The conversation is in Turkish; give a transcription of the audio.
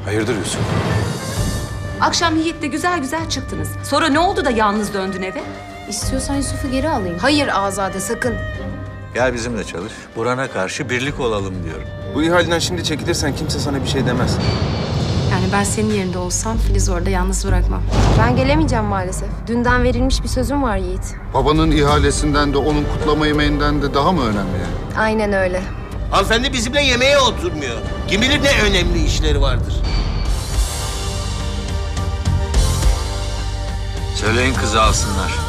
Hayırdır Yusuf? Akşam Yiğit'le güzel güzel çıktınız. Sonra ne oldu da yalnız döndün eve? İstiyorsan Yusuf'u geri alayım. Hayır Azade sakın. Gel bizimle çalış. Burhan'a karşı birlik olalım diyorum. Bu ihaleden şimdi çekilirsen kimse sana bir şey demez. Yani ben senin yerinde olsam Filiz orada yalnız bırakmam. Ben gelemeyeceğim maalesef. Dünden verilmiş bir sözüm var Yiğit. Babanın ihalesinden de onun kutlama yemeğinden de daha mı önemli yani? Aynen öyle. Hanımefendi bizimle yemeğe oturmuyor. Kim bilir ne önemli işleri vardır. Söyleyin kızı alsınlar.